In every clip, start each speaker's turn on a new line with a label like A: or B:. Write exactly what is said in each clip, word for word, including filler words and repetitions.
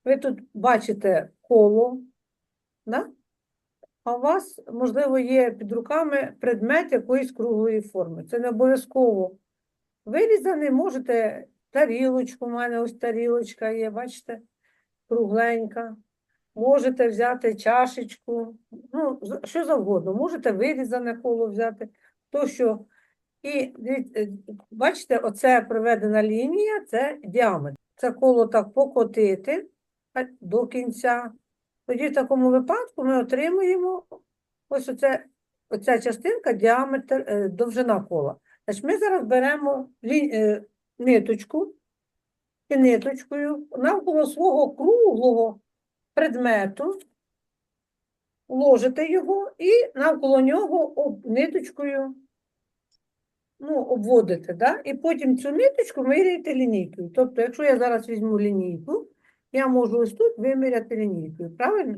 A: ви тут бачите коло, да? А у вас, можливо, є під руками предмет якоїсь круглої форми. Це не обов'язково вирізаний, можете тарілочку, у мене ось тарілочка є, бачите, кругленька. Можете взяти чашечку, ну, що завгодно. Можете вирізане коло взяти, то що. І бачите, оце проведена лінія, це діаметр. Це коло так покотити до кінця. Тоді в такому випадку ми отримуємо ось оце, оця частинка, діаметр, довжина кола. Значить, ми зараз беремо лі, ниточку і ниточкою навколо свого круглого предмету, ложите його і навколо нього об, ниточкою ну, обводите, да? І потім цю ниточку виміряєте лінійкою. Тобто, якщо я зараз візьму лінійку, я можу ось тут виміряти лінійкою, правильно?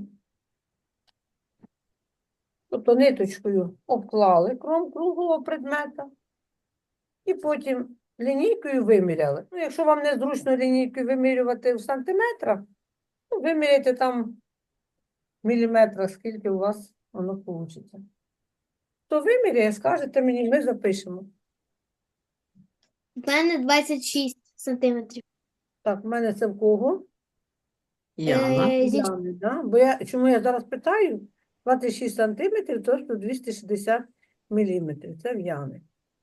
A: Тобто ниточкою обклали кром круглого предмета і потім лінійкою виміряли. Ну, якщо вам не зручно лінійкою вимірювати в сантиметрах, ну, виміряйте там в міліметрах, скільки у вас воно вийде. То виміряє, скажете мені, ми запишемо.
B: У мене двадцять шість сантиметрів.
A: Так, в мене це в кого?
C: Яна.
B: Е, зі-
A: Яни, да? Бо я, чому я зараз питаю? двадцять шість сантиметрів, тобто двісті шістдесят міліметрів. Це в Яни.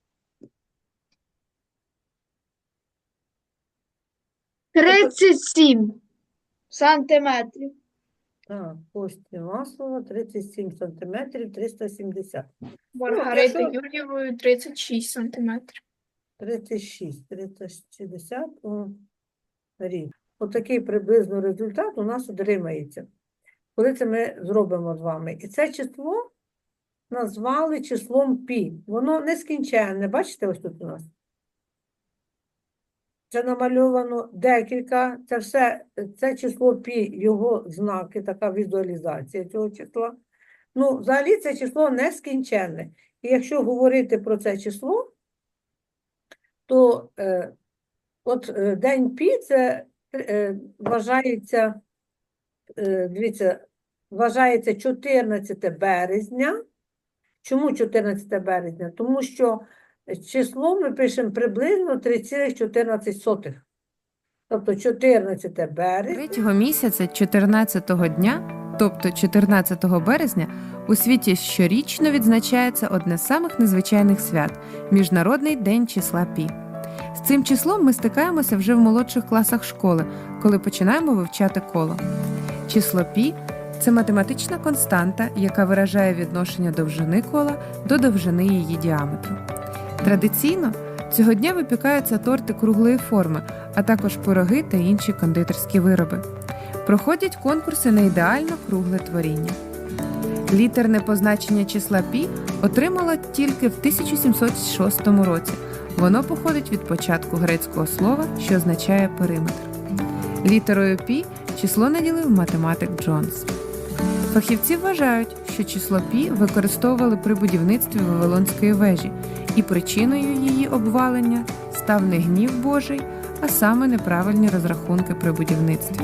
B: тридцять сім сантиметрів.
A: Так, Кості Маслова, тридцять сім сантиметрів, триста сімдесят.
D: Маргарита
A: якщо-
D: Юр'євою тридцять шість сантиметрів.
A: тридцять шість, триста шістдесят у рік. Отакий приблизно результат у нас отримається, коли це ми зробимо з вами. І це число назвали числом пі. Воно нескінченне. Бачите, ось тут у нас? Це намальовано декілька, це все, це число пі, його знаки, така візуалізація цього числа. Ну, взагалі це число нескінченне. І якщо говорити про це число, то е, от е, день пі це е, вважається, е, дивіться, вважається чотирнадцяте березня. Чому чотирнадцяте березня? Тому що число ми пишемо приблизно три цілих чотирнадцять сотих. Тобто чотирнадцяте березня.
E: Третього місяця чотирнадцятого дня, тобто чотирнадцятого березня, у світі щорічно відзначається одне з самих незвичайних свят – Міжнародний день числа Пі. З цим числом ми стикаємося вже в молодших класах школи, коли починаємо вивчати коло. Число Пі – це математична константа, яка виражає відношення довжини кола до довжини її діаметру. Традиційно цього дня випікаються торти круглої форми, а також пироги та інші кондитерські вироби. Проходять конкурси на ідеально кругле творіння. Літерне позначення числа Пі отримало тільки в тисяча сімсот шостому році. Воно походить від початку грецького слова, що означає периметр. Літерою Пі число наділив математик Джонс. Фахівці вважають, що число Пі використовували при будівництві Вавилонської вежі, і причиною її обвалення став не гнів Божий, а саме неправильні розрахунки при будівництві.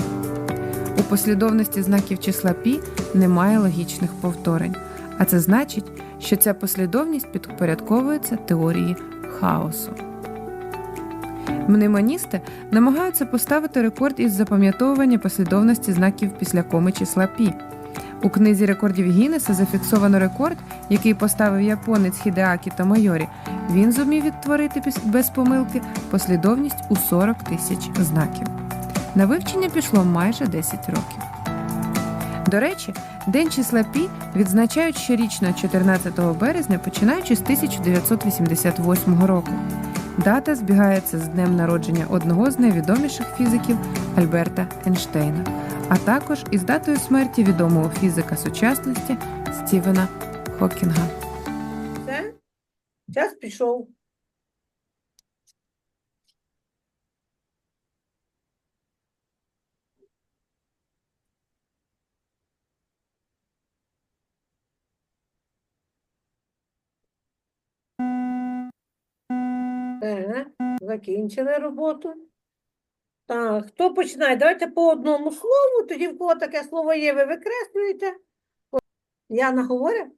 E: У послідовності знаків числа Пі немає логічних повторень, а це значить, що ця послідовність підпорядковується теорії хаосу. Мнемоністи намагаються поставити рекорд із запам'ятовування послідовності знаків після коми числа Пі. У книзі рекордів Гіннеса зафіксовано рекорд, який поставив японець Хідеакі Томайорі. Він зумів відтворити без помилки послідовність у сорок тисяч знаків. На вивчення пішло майже десять років. До речі, День числа Пі відзначають щорічно чотирнадцятого березня, починаючи з тисяча дев'ятсот вісімдесят восьмого року. Дата збігається з днем народження одного з найвідоміших фізиків Альберта Ейнштейна, а також із датою смерті відомого фізика сучасності Стівена Хокінга.
A: Все, час пішов. Все, закінчили роботу. Так, хто починає? Давайте по одному слову, тоді в кого таке слово є, ви викреслюєте. От Яна говорить?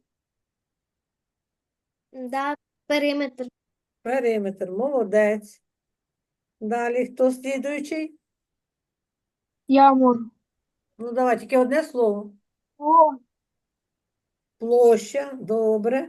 B: Да, периметр.
A: Периметр, молодець. Далі, хто слідуючий?
B: Я можу.
A: Ну, давай, тільки одне слово.
B: О,
A: Площа, добре.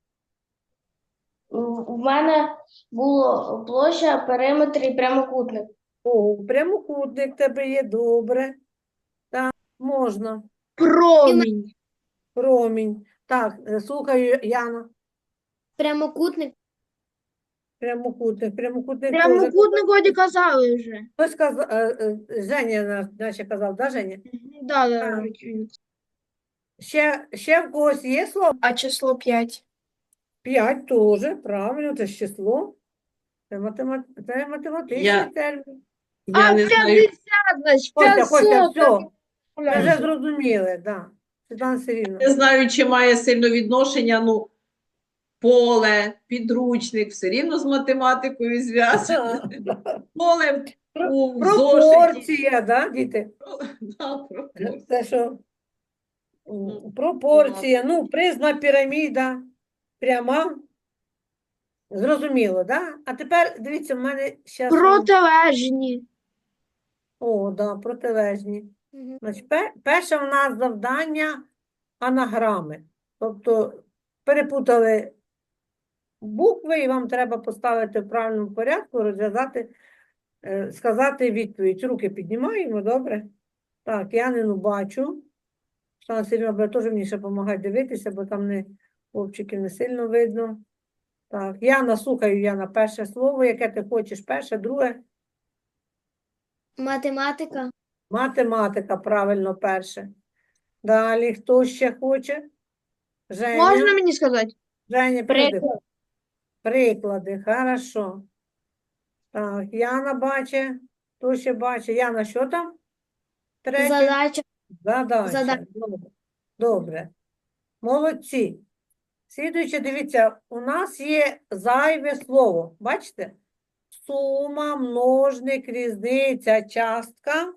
F: У мене було площа, периметр і прямокутник.
A: О, прямокутник в тебе є, добре. Так, можна.
B: промінь.
A: Промінь. Так, е, слухаю, Яна.
B: Прямокутник.
A: Прямокутник. Прямокутник теж.
B: Прямокутник годі казали вже.
A: Хтось казав, Женя, на- наче казав, да, Женя?
B: Да, да,
A: Так.
B: да.
A: Ще, ще в когось є слово?
D: А число п'ять.
A: П'ять теж, правильно, це ж число. Це, матема... це математичний
C: Я-
A: термін.
C: Я не знаю,
B: значить,
A: Костя, Костя, все, ми
B: так.
A: вже зрозуміли, да. Світлана Сергіївна.
C: не знаю, чи має сильно відношення, ну, поле, підручник, все рівно з математикою зв'язано. Поле у зошиті.
A: Пропорція, да, діти?
C: Да, пропорція.
A: Це що? М, Пропорція, ну, призма піраміда, пряма. Зрозуміло, да? А тепер, дивіться, в мене ще...
B: Протилежні.
A: О, да, протилежні.
B: Мгм.
A: Значить, пе- перше в нас завдання анаграми. Тобто перепутали букви, і вам треба поставити в правильному порядку, розв'язати, е, сказати відповідь. Руки піднімаємо, добре? Так, Янину бачу. Штана Сергійовна буде теж мені ще допомагати дивитися, бо там не хлопчиків не сильно видно. Так, Яна, слухаю, Яна, перше слово, яке ти хочеш, перше, друге.
B: Математика.
A: Математика, правильно, перше. Далі, хто ще хоче? Женя.
B: Можна мені сказати?
A: Женя, піди.
B: Приклад.
A: Приклади, хорошо. Так, Яна бачить. Хто ще бачить? Яна, що там? Третє?
B: Задача.
A: Задача.
B: Задача.
A: Добре. Добре. Молодці. Слідуюче, дивіться, у нас є зайве слово. Бачите? Сума, множник, різниця, частка.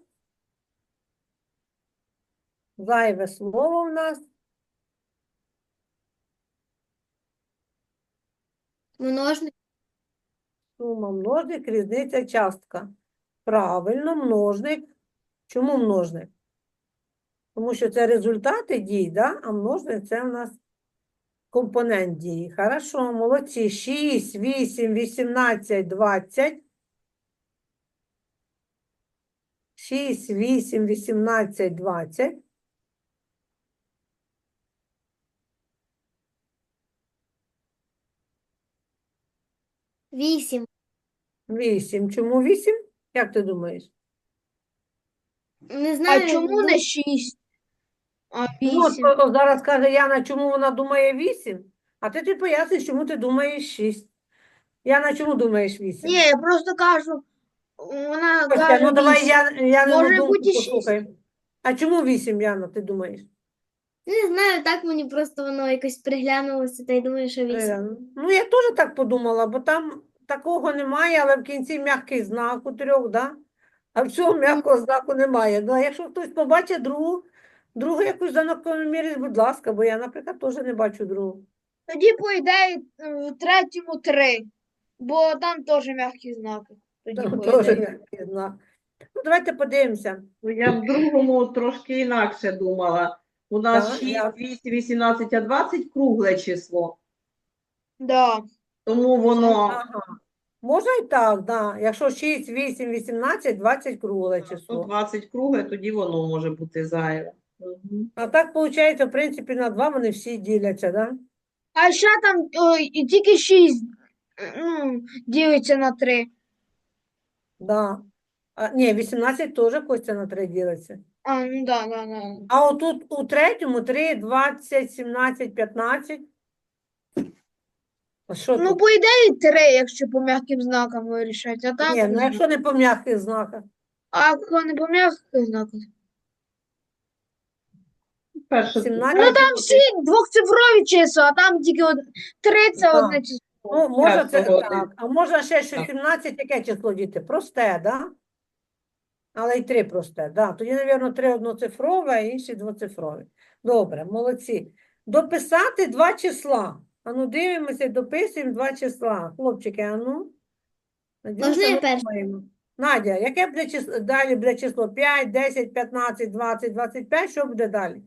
A: Зайве слово в нас.
B: Множник.
A: Сума, множник, різниця, частка. Правильно, множник. Чому множник? Тому що це результати дій, да? А множник це у нас компонент дії. Хорошо, молодці. шість, вісім, вісімнадцять, двадцять. шість, вісім, вісімнадцять, двадцять.
B: Вісім.
A: вісім. Чому вісім? Як ти думаєш?
B: Не знаю.
G: А чому
B: ну,
G: не шість, а
A: Ну, от
G: вісім?
A: о- зараз каже Яна, чому вона думає вісім, а ти ти поясниш, чому ти думаєш шість. Яна, чому думаєш вісім?
G: Ні, я просто кажу, вона
A: Костя,
G: каже
A: ну давай
G: вісім.
A: я, Янину
G: Може
A: думку
G: бути шість.
A: послухаємо. А чому вісім, Яна, ти думаєш?
B: Не знаю, так мені просто воно якось приглянулося, та й думаю, що вісім.
A: Е, Ну, я теж так подумала, бо там такого немає, але в кінці м'який знак у трьох, да? А в цьому м'якого знаку немає. Ну, а якщо хтось побачить другу, другу якусь закономірність, будь ласка, бо я, наприклад, теж не бачу другу.
G: Тоді, по ідеї, в третьому три, бо там теж м'які знаки. Тоді,
A: Там
G: по
A: теж
G: ідеї.
A: м'який знак. Ну, давайте подивимося.
C: Ну, я в другому трошки інакше думала. У нас
A: Так,
C: шість,
A: я-
C: вісім, вісімнадцять, а двадцять кругле число.
G: Да.
C: Тому воно
A: Ага. Можна і так, да. Якщо шість, вісім, вісімнадцять, двадцять кругле
C: ну,
A: число.
C: двадцять кругле, тоді воно може бути зайве. Мгм.
A: А так, виходить, в принципі, на два вони всі діляться, да?
G: А ще там о, і тільки шість ну, ділиться на три.
A: Да. А, ні, вісімнадцять теж Костя на три ділиться.
G: А, ну да, да, да.
A: А отут у третьому три, двадцять, сімнадцять, п'ятнадцять. А що
G: Ну,
A: тут?
G: по ідеї, три, якщо по м'яким знакам вирішать. А так,
A: Ні, ну
G: не
A: якщо не по м'яких знаках.
G: а якщо не по м'яких знаках?
C: Перше,
A: сімнадцять.
G: Ну, там всі двохцифрові числа, а там тільки од... три це
A: Да.
G: одне число.
A: Ну, може
C: Я
A: це
C: згоден.
A: так. А може ще що
C: Так.
A: сімнадцять, яке число, діти? Просте, да? Але й три просте. Да. Тоді, мабуть, три одноцифрове, а інші двоцифрові. Добре, молодці. Дописати два числа. Ану, дивимося, дописуємо два числа. Хлопчики, ану. Надюша,
B: Можна я
A: ми
B: перша?
A: думаємо. Надя, яке буде число? Далі буде число п'ять, десять, п'ятнадцять, двадцять, двадцять п'ять. Що буде далі?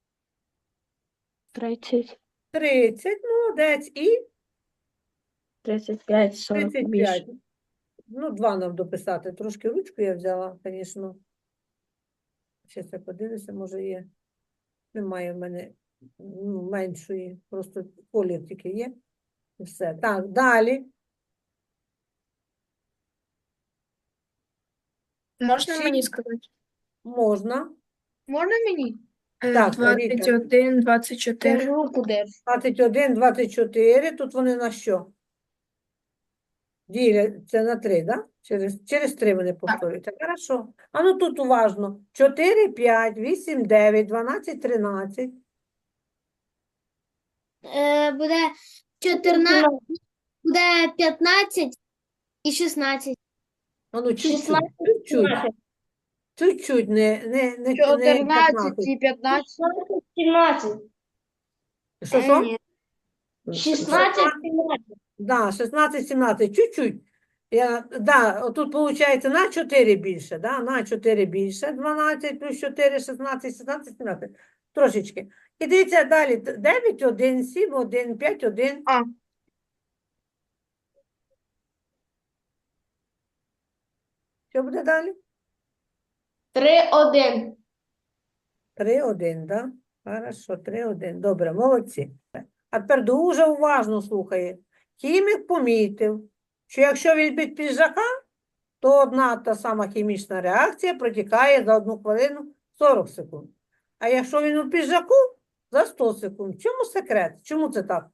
H: тридцять,
A: тридцять, молодець. І
H: тридцять п'ять, сорок
A: тридцять
H: більше.
A: п'ять. Ну, два нам дописати. Трошки ручку я взяла, звісно. Щас я подивлюся, може є. Немає в мене ну, меншої, просто колір тільки є. І все. Так, далі.
D: Можна
A: Шість.
D: мені сказати?
A: Можна.
G: Можна мені?
D: Е,
A: Так,
D: двадцять
A: Віка.
D: один, двадцять
G: Я ж
D: чотири.
G: руку держу.
A: двадцять один, двадцять чотири. Тут вони на що? Діляться на три, да? Через, через три вони повторюються. Хорошо. А ну тут уважно. чотири, п'ять, вісім, дев'ять, дванадцять, тринадцять.
B: Е, буде чотирнадцять, буде п'ятнадцять і шістнадцять.
A: А ну чуть-чуть,
F: шістнадцять,
A: чуть-чуть. Чуть-чуть, не, не, не, не
G: чотирнадцять
A: п'ятнадцять.
G: і п'ятнадцять.
F: сімнадцять,
A: Що,
B: Е,
A: що?
B: ні.
F: шістнадцять, сімнадцять.
A: Да, шістнадцять, сімнадцять, чуть-чуть. Я, да, отут виходить на чотири більше, да, на чотири більше, дванадцять плюс чотири, шістнадцять, шістнадцять, сімнадцять. Трошечки. І дивіться далі, дев'ять, один, сім, один, п'ять, один.
G: А.
A: Що буде далі?
F: три, один.
A: три, один, да? Хорошо, три, один. Добре, молодці. А тепер дуже уважно слухає. Хімік помітив, що якщо він під піджака, то одна та сама хімічна реакція протікає за одну хвилину сорок секунд. А якщо він у піджаку, за сто секунд. В чому секрет? Чому це так?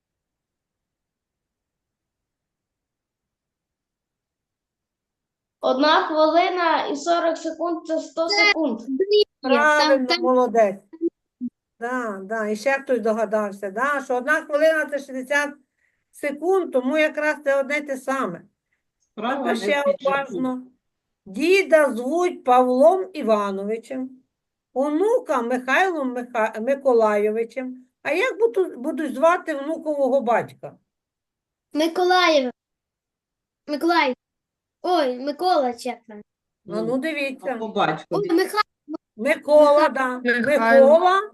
F: Одна хвилина і сорок секунд – це сто секунд.
B: Ні, там,
A: Правильно,
B: там
A: молодець. Да, да. І ще хтось догадався, да, що одна хвилина це шістдесят секунд, тому якраз це одне й те саме.
C: Справа
A: Тепер
C: не
A: ще
C: в піджаку.
A: уважно. Діда звуть Павлом Івановичем, онука Михайлом Миха... Миколайовичем. А як будуть, будуть звати внукового батька?
B: Миколаїв. Миколаїв. Ой, Микола, чи як там?
A: А ну
C: А
A: дивіться.
C: по батькові.
B: Ой, Михайло.
A: Микола, да.
D: Михайло.
A: Микола.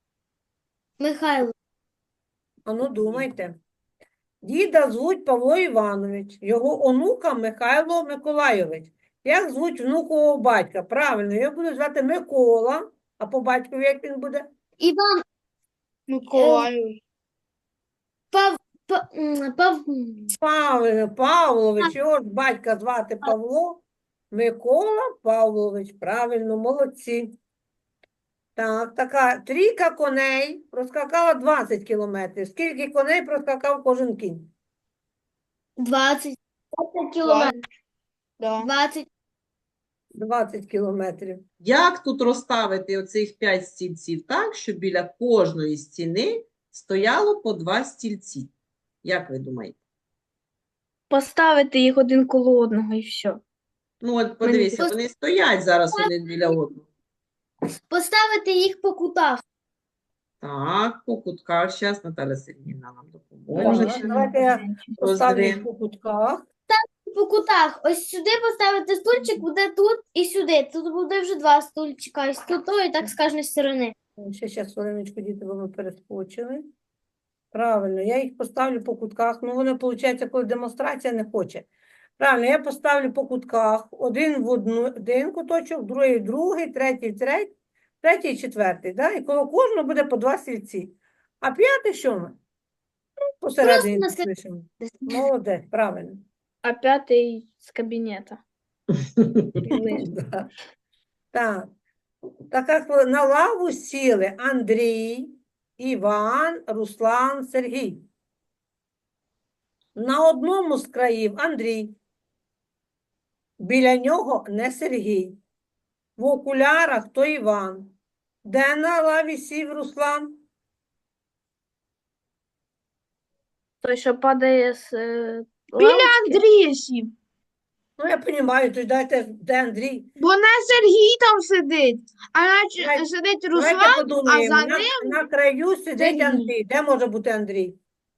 B: Михайло.
A: А ну думайте. Діда звуть Павло Іванович, його онука Михайло Миколайович. Як звуть внукового батька? Правильно, його будуть звати Микола, а по батькові як він буде?
B: Іван.
G: Миколаїв.
B: Пав... Пав... м, Пав...
A: Павло Павлович, його ж батька звати Павло, Микола Павлович. Правильно, молодці. Так, така трійка коней проскакала двадцять кілометрів. Скільки коней проскакав кожен кінь?
B: двадцять.
F: двадцять кілометрів.
G: Да.
B: двадцять.
A: двадцять кілометрів.
C: Як тут розставити оцих п'ять стільців так, щоб біля кожної стіни стояло по два стільці? Як ви думаєте?
H: Поставити їх один коло одного і все.
C: Ну, от подивіться, вони стоять зараз один біля одного.
B: Поставити їх по кутах.
C: Так, по кутках. Зараз Наталя Сергіївна нам
A: Так,
C: допоможе.
A: давайте я поставлю їх
C: Роздрин.
A: по кутках.
B: По кутах. Ось сюди поставити стульчик, буде тут і сюди. Тут буде вже два стульчика. І тут, і так з кожної сторони.
A: Ще зараз хвилиночку, діти, бо ми перескочили. Правильно, я їх поставлю по кутках. Ну, воно, виходить, коли демонстрація не хоче. Правильно, я поставлю по кутках. Один в одну, один куточок, другий в другий, третій в третій, третій в четвертий. Да? І коло кожного буде по два стільці. А п'ятий що ми? Ну, посередині
B: Просто на
A: пишемо. Молодець, правильно.
H: А п'ятий з кабінета.
A: Да. Так. Така хвили- на лаву сіли Андрій, Іван, Руслан, Сергій. На одному з країв Андрій. Біля нього не Сергій. В окулярах то Іван. Де на лаві сів Руслан?
H: Той, що падає з е,
G: Біля
H: лавочки.
G: Андрія сів.
A: Ну, я розумію, то дайте, де Андрій.
G: Бо не Сергій там сидить, а наче
A: Давай-
G: сидить
A: Давайте
G: Руслан, а
A: подумаємо.
G: за
A: На,
G: ним
A: на краю сидить
G: Сергій.
A: Андрій. Де може бути Андрій?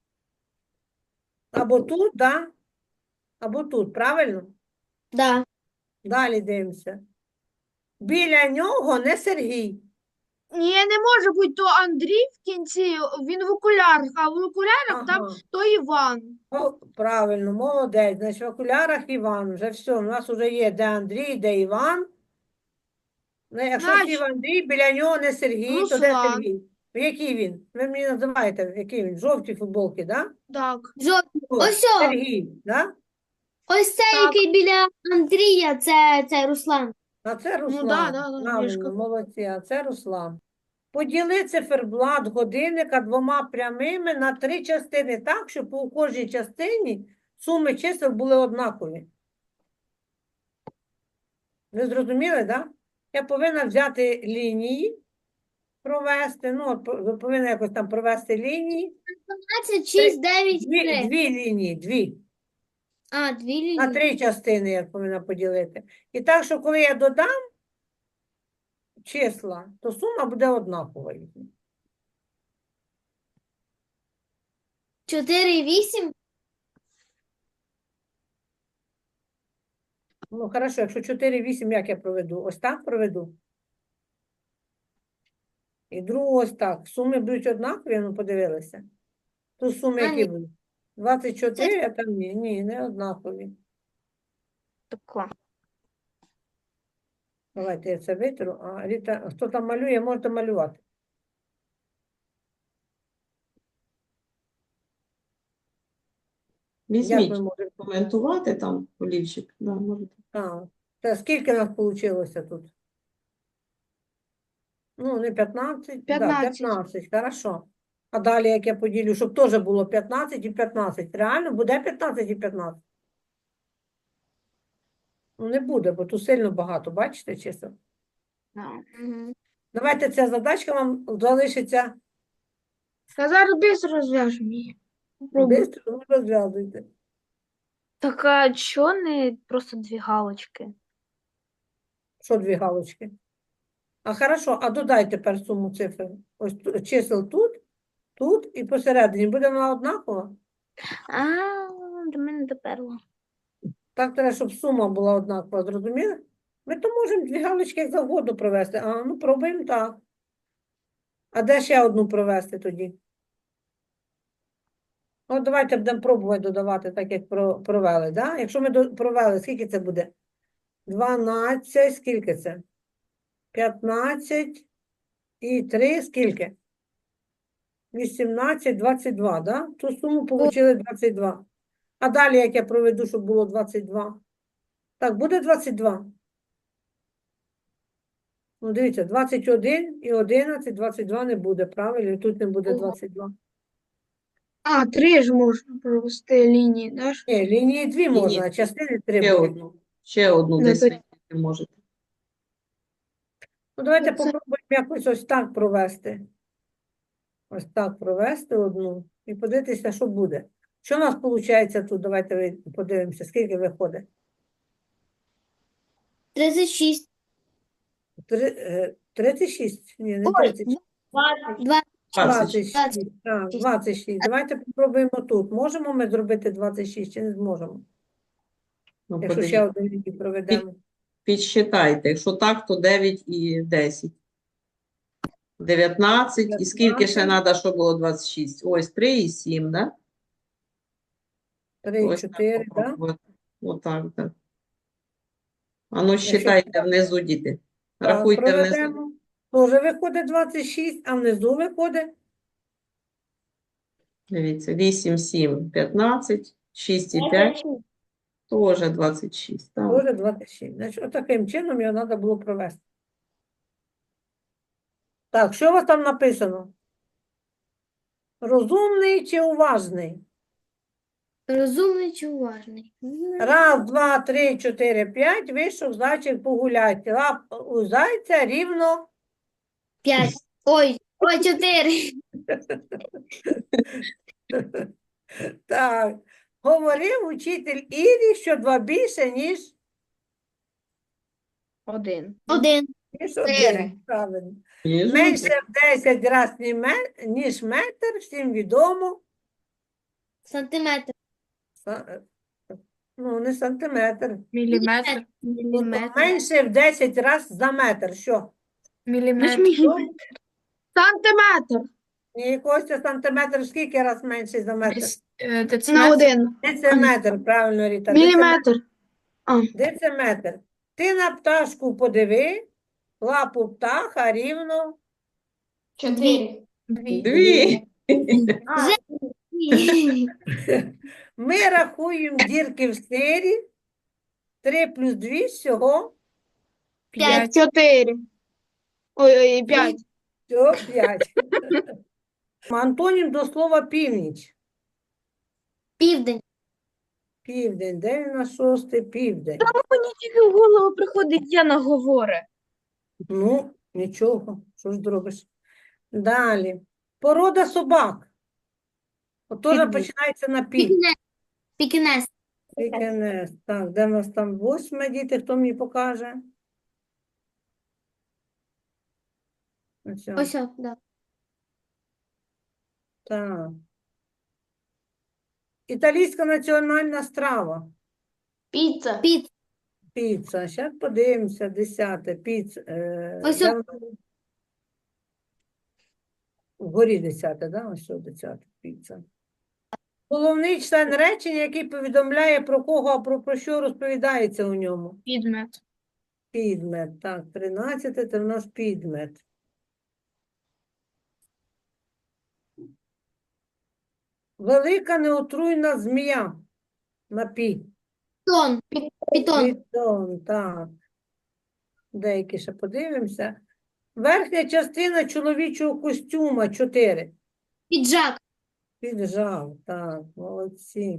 A: Або тут, да? Або тут, правильно?
B: Да.
A: Далі дивимося. Біля нього не Сергій.
G: ні, не може бути то Андрій в кінці, він в окулярах, а в окулярах там
A: Ага.
G: то Іван.
A: О, правильно, молодець. Значить, в окулярах Іван. Вже все, у нас вже є де Андрій, де Іван. Ну, якщо
G: Значить,
A: сів Андрій, біля нього не Сергій, то де
G: Руслан.
A: Сергій? Який він? Ви мені називаєте, який він? Жовті футболки, да?
G: Так.
B: Жовтий.
A: О,
B: Ось о,
A: Сергій, да?
B: ось цей,
G: Так.
B: який біля Андрія, це, це Руслан.
A: А це
G: Ну,
A: Руслан.
G: да, да, да, я ж
A: Правильно,
G: кажу.
A: молодці, а це Руслан. Поділи циферблат годинника двома прямими на три частини так, щоб у кожній частині суми чисел були однакові. Ви зрозуміли, так? Да? Я повинна взяти лінії, провести, ну, от, ви повинні якось там провести лінії.
B: дванадцять, шість, дев'ять,
A: Дві,
B: три.
A: дві лінії, дві.
B: А, дві лінії.
A: На три частини я повинна поділити. І так, що коли я додам числа, то сума буде однакова.
B: чотири і вісім.
A: Ну, хорошо, якщо чотири, вісім, як я проведу? Ось так проведу. І другу ось так. Суми будуть однакові, ну подивилися. Тут суми
B: А,
A: які
B: ні.
A: будуть? двадцять чотири, а там ні, ні, не однакові.
H: Тако.
A: Давайте я це витру. А Ріта, хто там малює, можете малювати. Як
C: Візьміть,
A: ми можемо?
C: коментувати там, олівчик. Да, можете.
A: А, це скільки нас вийшло тут? Ну, не п'ятнадцять? Да,
G: п'ятнадцять.
A: п'ятнадцять, хорошо. А далі, як я поділю, щоб теж було п'ятнадцять і п'ятнадцять. Реально буде п'ятнадцять і п'ятнадцять? Ну, не буде, бо тут сильно багато, бачите, чисел?
B: Угу.
A: Давайте ця задачка вам залишиться
G: Та зараз без розв'яжемо її. Попробуй.
A: швидко, ну, розв'язуйте.
H: Так, а чого не просто дві галочки?
A: Що дві галочки? А хорошо, а додай тепер суму цифр. Ось ту- чисел тут, тут і посередині. Буде вона однакова?
H: А, до мене доперло.
A: Так треба, щоб сума була однакова, зрозуміли? Ми то можемо дві галочки як завгодно провести. А, ну пробуємо так. А де ще одну провести тоді? От давайте будемо пробувати додавати, так як про- провели, да? Якщо ми до- провели, скільки це буде? дванадцять, скільки це? п'ятнадцять і три, скільки? вісімнадцять, двадцять два, да? Ту суму отримали двадцять два. А далі, як я проведу, щоб було двадцять два? Так, буде двадцять два? Ну, дивіться, двадцять один і одинадцять, двадцять два не буде, правильно? І тут не буде
G: Ого.
A: двадцять два.
G: А, три ж можна провести лінії, да? ж?
A: Ні, лінії дві
C: Ні,
A: можна,
C: ні.
A: а частини три
C: Ще
A: будуть.
C: одну. Ще одну
G: Ну,
C: десь
G: то-
C: вийти можете.
A: Ну, давайте
G: Це-
A: попробуємо якось ось так провести. Ось так провести одну і подивитися, що буде. Що у нас виходить тут? Давайте ви- подивимося, скільки виходить.
B: тридцять шість.
A: Три- е, тридцять шість? Ні, не
B: Ой,
A: тридцять шість.
B: двадцять.
C: двадцять.
A: двадцять шість. Так, двадцять шість. Давайте попробуємо тут. Можемо ми зробити двадцять шість чи не зможемо?
C: Ну,
A: Якщо ще
C: подивіться.
A: одну лінію проведемо.
C: Підсчитайте. Якщо так, то дев'ять і десять. дев'ятнадцять. І скільки ще
A: дев'ятнадцять.
C: треба, щоб було двадцять шість? Ось три і сім, да?
A: три,
C: Ось так
A: чотири, так?
C: попробувати. Отак, так. А ну,
A: Якщо
C: считайте внизу, діти.
A: Так,
C: Рахуйте внизу.
A: проведемо. Тоже виходить двадцять шість, а внизу виходить
C: Дивіться, вісім, сім, п'ятнадцять, шість і п'ять, теж двадцять шість. Так.
A: тоже двадцять шість. Значить, отаким чином його треба було провести. Так, що у вас там написано? Розумний чи уважний?
B: Розумний чи уважний?
A: Раз, два, три, чотири, п'ять, вийшов зайчик погуляти. Лап у зайця рівно.
B: П'ять. Ой, ой, чотири.
A: Так, Говорив учитель Ірі, що два більше, ніж,
H: Один.
B: Один.
A: ніж
G: Чотири.
A: один. Правильно.
C: Ніж
A: Менше
C: один.
A: в десять разів, ніж метр, всім відомо.
B: Сантиметр.
A: Са- Ну, не сантиметр.
D: Міліметр.
A: Тобто менше в десять разів за метр. Що?
D: Міліметр.
G: Сантиметр.
A: Ні, Костя, сантиметр скільки раз менший за метр?
D: Дес- е,
G: На
D: Дециметр.
G: один.
A: Дециметр, правильно, Ріта.
G: Міліметр.
A: Дециметр. Дециметр. Ти на пташку подиви, лапу птаха рівно.
F: Чотири.
D: Дві.
C: Дві.
A: Ми рахуємо дірки в сирі. Три плюс дві всього.
D: П'ять.
G: Чотири. Ой, ой, п'ять.
A: Всього п'ять. Антонім до слова північ.
B: Південь.
A: Південь. Де він на шостий? Південь.
H: Мені тільки в голову приходить Яна говорить.
A: Ну, нічого. Що ж зробиш? Далі. Порода собак. От теж
H: Підбір.
A: починається на пі.
B: Пікінес. Пікінес.
A: Пікінес. Так, де в нас там восьме, діти, хто мені покаже? Ось, о,
B: Ось, о, да.
A: так. Італійська національна страва.
F: Піца.
B: Піц.
A: Піца. Зараз подивимося, десяте. Піц. Е,
B: Ось
A: де
B: о-
A: вона? Вгорі десяте, да? Ось о, десяте. Піца. Головний член речення, який повідомляє про кого, а про, про що розповідається у ньому.
D: Підмет.
A: Підмет. Так, тринадцяте, це в нас підмет. Велика неотруйна змія. На пі.
B: Питон. Питон.
A: Питон, так. Деякі ще подивимося. Верхня частина чоловічого костюма. Чотири.
B: Піджак.
A: Піджав, так, молодці.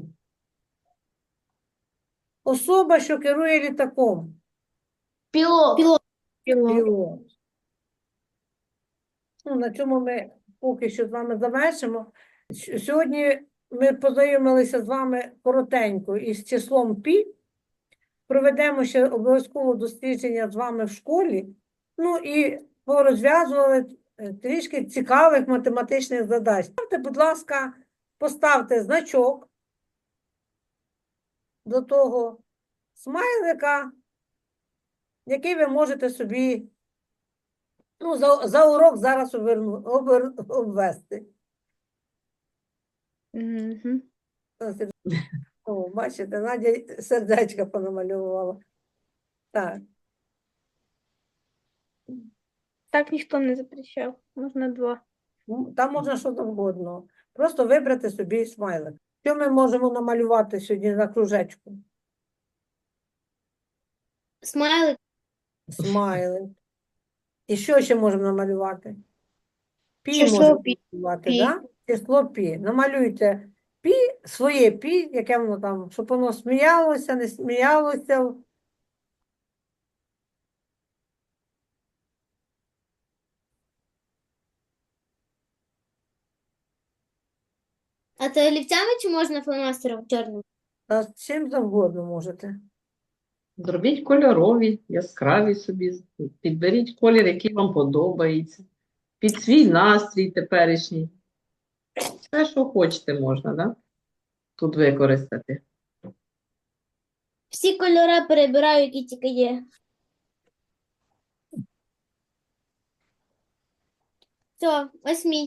A: Особа, що керує літаком.
F: Пілот.
B: Пілот.
D: Пілот.
A: Пілот. Ну, на цьому ми поки що з вами завершимо. С- Сьогодні ми познайомилися з вами коротенько із числом пі. Проведемо ще обов'язково дослідження з вами в школі. Ну і порозв'язували е, трішки цікавих математичних задач. Ставте, будь ласка, поставте значок до того смайлика, який ви можете собі ну, за, за урок зараз оберну, обер, обвести.
H: Угу.
A: О, бачите, Надя сердечко понамалювала. Так,
H: Так ніхто не запрещав. Можна два.
A: ну, там можна що завгодно. Просто вибрати собі смайлик. Що ми можемо намалювати сьогодні на кружечку?
B: Смайлик.
A: Смайлик. І що ще можемо намалювати? Пі
H: Число
A: можемо
H: пі.
A: намалювати,
H: Пі.
A: да? Число пі. Намалюйте пі, своє пі, яке воно там, щоб воно сміялося, не сміялося.
B: А це олівцями чи можна фломастером чорним?
A: Та з чим завгодно можете.
C: Зробіть кольорові, яскраві собі. Підберіть колір, який вам подобається. Під свій настрій теперішній. Все, що хочете, можна, да? Тут використати.
B: Всі кольори перебираю, які тільки є. Все, ось мій.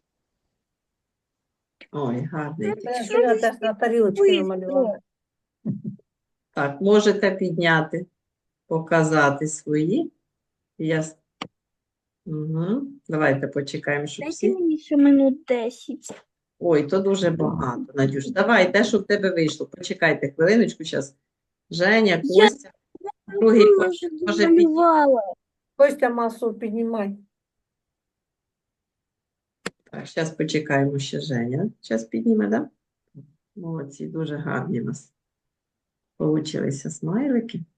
C: Ой, гарний.
A: Це я теж на тарілочці намалювала.
C: Так, можете підняти, показати свої. Я... с- Угу. Давайте почекаємо, щоб
H: Дайте
C: всі...
H: мені ще минут десять.
C: Ой, то дуже багато, Надюш. Давай, те, що в тебе вийшло. Почекайте хвилиночку зараз. Женя,
H: Я-
C: Костя, другий
H: Я
C: Костя,
H: вже
C: може підійти.
H: домалювала.
A: Костя масу піднімай.
C: Так, зараз почекаємо ще Женя. Зараз підніме, так? Да? Молодці, дуже гарні у нас получилися смайлики.